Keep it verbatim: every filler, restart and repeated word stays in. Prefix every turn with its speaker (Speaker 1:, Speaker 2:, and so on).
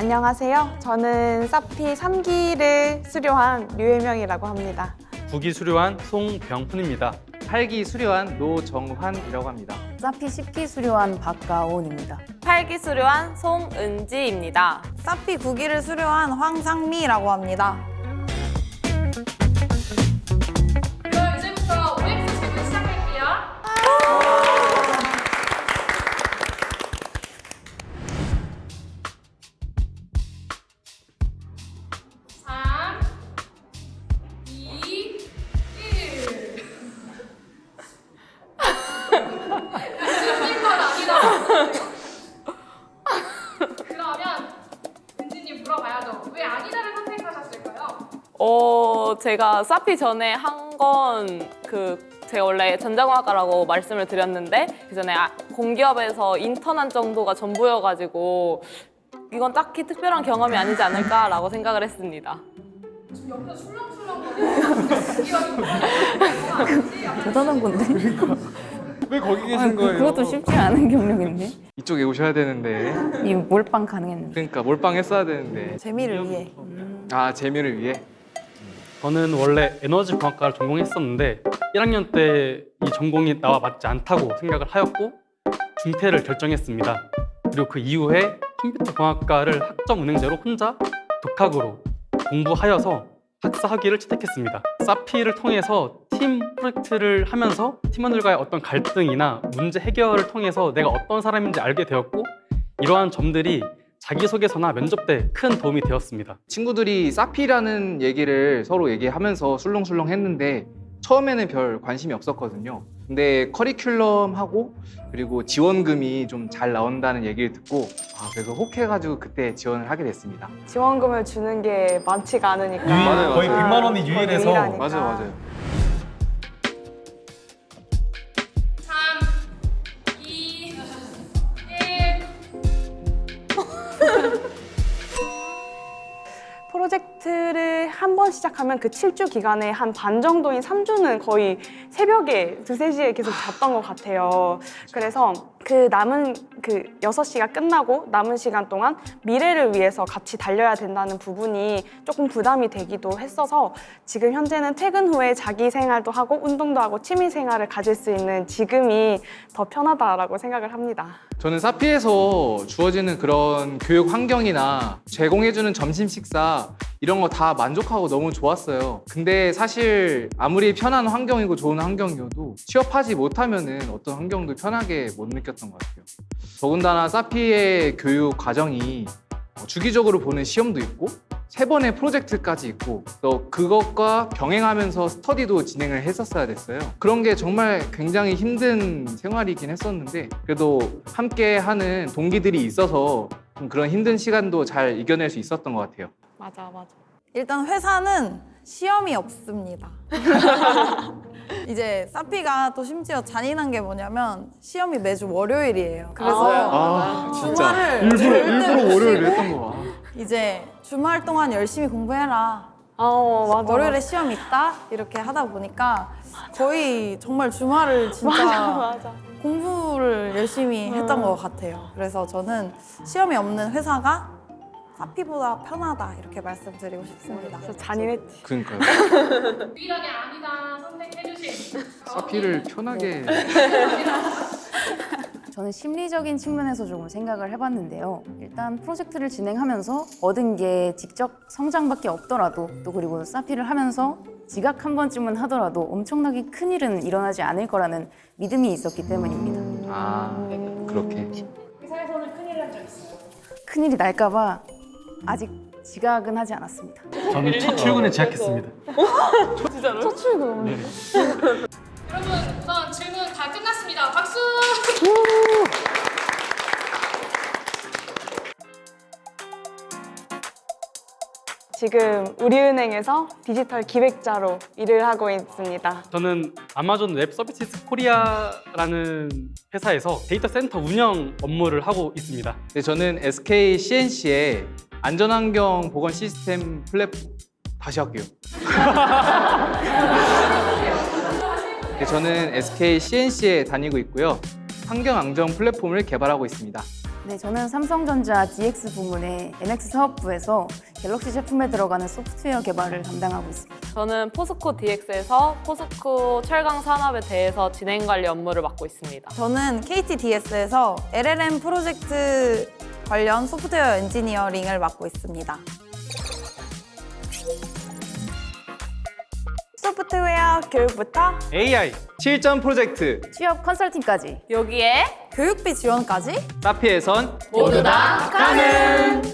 Speaker 1: 안녕하세요. 저는 사피 삼 기를 수료한 류혜명이라고 합니다.
Speaker 2: 구 기 수료한 송병훈입니다.
Speaker 3: 팔 기 수료한 노정환이라고 합니다.
Speaker 4: 사피 십 기 수료한 박가온입니다.
Speaker 5: 팔 기 수료한 송은지입니다.
Speaker 6: 사피 구 기를 수료한 황상미라고 합니다.
Speaker 7: 그럼 이제부터 오엑스 질문 시작할게요. 삼, 이, 일. 은지님 건 아니다. 그러면 은지님 물어봐야죠. 왜 아니다를 선택하셨을까요?
Speaker 5: 어, 제가 사피 전에 한 건 그 제가 원래 전자공학과라고 말씀을 드렸는데 그 전에 아, 공기업에서 인턴한 정도가 전부여가지고 이건 딱히 특별한 경험이 아니지 않을까라고 생각을 했습니다.
Speaker 7: 지금 옆에서 술렁술렁
Speaker 4: 대단한 건데?
Speaker 3: 왜 거기 계신
Speaker 4: 아, 그-
Speaker 3: 거예요?
Speaker 4: 그것도 쉽지 않은 경력인데?
Speaker 3: 이쪽에 오셔야 되는데.
Speaker 4: 이 몰빵 가능했는데.
Speaker 3: 그러니까 몰빵 했어야 되는데.
Speaker 6: 재미를 위해.
Speaker 3: 아, 재미를 위해.
Speaker 2: 저는 원래 에너지 공학과를 전공했었는데 일 학년 때 이 전공이 나와 맞지 않다고 생각을 하였고 중퇴를 결정했습니다. 그리고 그 이후에 컴퓨터 공학과를 학점 은행제로 혼자 독학으로 공부하여서 학사 학위를 채택했습니다. 사피를 통해서 팀 프로젝트를 하면서 팀원들과의 어떤 갈등이나 문제 해결을 통해서 내가 어떤 사람인지 알게 되었고 이러한 점들이 자기소개서나 면접 때 큰 도움이 되었습니다.
Speaker 3: 친구들이 사피라는 얘기를 서로 얘기하면서 술렁술렁 했는데 처음에는 별 관심이 없었거든요. 근데 커리큘럼하고 그리고 지원금이 좀 잘 나온다는 얘기를 듣고 아, 그래서 혹해가지고 그때 지원을 하게 됐습니다.
Speaker 1: 지원금을 주는 게 많지가 않으니까.
Speaker 2: 유일,
Speaker 3: 맞아요,
Speaker 2: 거의
Speaker 3: 맞아요.
Speaker 2: 백만 원이
Speaker 1: 거의
Speaker 2: 유일해서
Speaker 1: 유일하니까.
Speaker 3: 맞아요, 맞아요.
Speaker 7: 삼, 이, 일.
Speaker 1: 프로젝트를 한 번 시작하면 그 칠 주 기간에 한 반 정도인 삼 주는 거의 새벽에 두세 시에 계속 잤던 것 같아요. 그래서 그 남은 그 여섯 시가 끝나고 남은 시간 동안 미래를 위해서 같이 달려야 된다는 부분이 조금 부담이 되기도 했어서 지금 현재는 퇴근 후에 자기 생활도 하고 운동도 하고 취미 생활을 가질 수 있는 지금이 더 편하다라고 생각을 합니다.
Speaker 3: 저는 사피에서 주어지는 그런 교육 환경이나 제공해주는 점심 식사 이런 거 다 만족하고 너무 좋았어요. 근데 사실 아무리 편한 환경이고 좋은 환경이어도 취업하지 못하면은 어떤 환경도 편하게 못 느꼈던 것 같아요. 더군다나 사피의 교육 과정이 주기적으로 보는 시험도 있고 세 번의 프로젝트까지 있고 또 그것과 병행하면서 스터디도 진행을 했었어야 됐어요. 그런 게 정말 굉장히 힘든 생활이긴 했었는데 그래도 함께 하는 동기들이 있어서 좀 그런 힘든 시간도 잘 이겨낼 수 있었던 것 같아요.
Speaker 1: 맞아, 맞아.
Speaker 6: 일단 회사는 시험이 없습니다. 이제 사피가 또 심지어 잔인한 게 뭐냐면 시험이 매주 월요일이에요. 그래서
Speaker 3: 아,
Speaker 6: 주말을
Speaker 3: 일부러,
Speaker 6: 절대
Speaker 3: 일부러
Speaker 6: 못
Speaker 3: 월요일에
Speaker 6: 쉬고
Speaker 3: 했던 거 봐.
Speaker 6: 이제 주말 동안 열심히 공부해라.
Speaker 1: 어, 맞아.
Speaker 6: 월요일에 시험 있다? 이렇게 하다 보니까 거의 정말 주말을 진짜
Speaker 1: 맞아, 맞아.
Speaker 6: 공부를 열심히 했던 것 같아요. 그래서 저는 시험이 없는 회사가 사피보다 편하다 이렇게 말씀드리고 싶습니다.
Speaker 1: 저 잔인했지.
Speaker 3: 그러니까요.
Speaker 7: 유일하게 아니다 선택해주신
Speaker 3: 사피를 편하게
Speaker 4: 저는 심리적인 측면에서 조금 생각을 해봤는데요. 일단 프로젝트를 진행하면서 얻은 게 직접 성장밖에 없더라도 또 그리고 사피를 하면서 지각 한 번쯤은 하더라도 엄청나게 큰 일은 일어나지 않을 거라는 믿음이 있었기 때문입니다.
Speaker 3: 아, 그렇게.
Speaker 7: 회사에서는 큰일 난 적 있어요.
Speaker 4: 큰일이 날까 봐 아직 지각은 하지 않았습니다.
Speaker 2: 저는 첫 출근에 지각했습니다.
Speaker 1: 첫 출근.
Speaker 2: 네.
Speaker 7: 여러분 우선 질문 다 끝났습니다. 박수!
Speaker 1: 지금 우리은행에서 디지털 기획자로 일을 하고 있습니다.
Speaker 2: 저는 아마존 웹 서비스 코리아라는 회사에서 데이터 센터 운영 업무를 하고 있습니다.
Speaker 3: 네, 저는 에스케이 씨엔씨의 안전환경 보건 시스템 플랫폼 다시 할게요. 네, 저는 에스케이 씨엔씨에 다니고 있고요. 환경 안전 플랫폼을 개발하고 있습니다.
Speaker 4: 네, 저는 삼성전자 디엑스 부문의 엔엑스 사업부에서 갤럭시 제품에 들어가는 소프트웨어 개발을 담당하고 있습니다.
Speaker 5: 저는 포스코 디엑스에서 포스코 철강 산업에 대해서 진행 관리 업무를 맡고 있습니다.
Speaker 6: 저는 케이티디에스에서 엘엘엠 프로젝트 관련 소프트웨어 엔지니어링을 맡고 있습니다.
Speaker 1: 소프트웨어 교육부터
Speaker 3: 에이아이 실전 프로젝트
Speaker 4: 취업 컨설팅까지
Speaker 5: 여기에
Speaker 6: 교육비 지원까지
Speaker 3: 사피에선
Speaker 5: 모두 다 가능!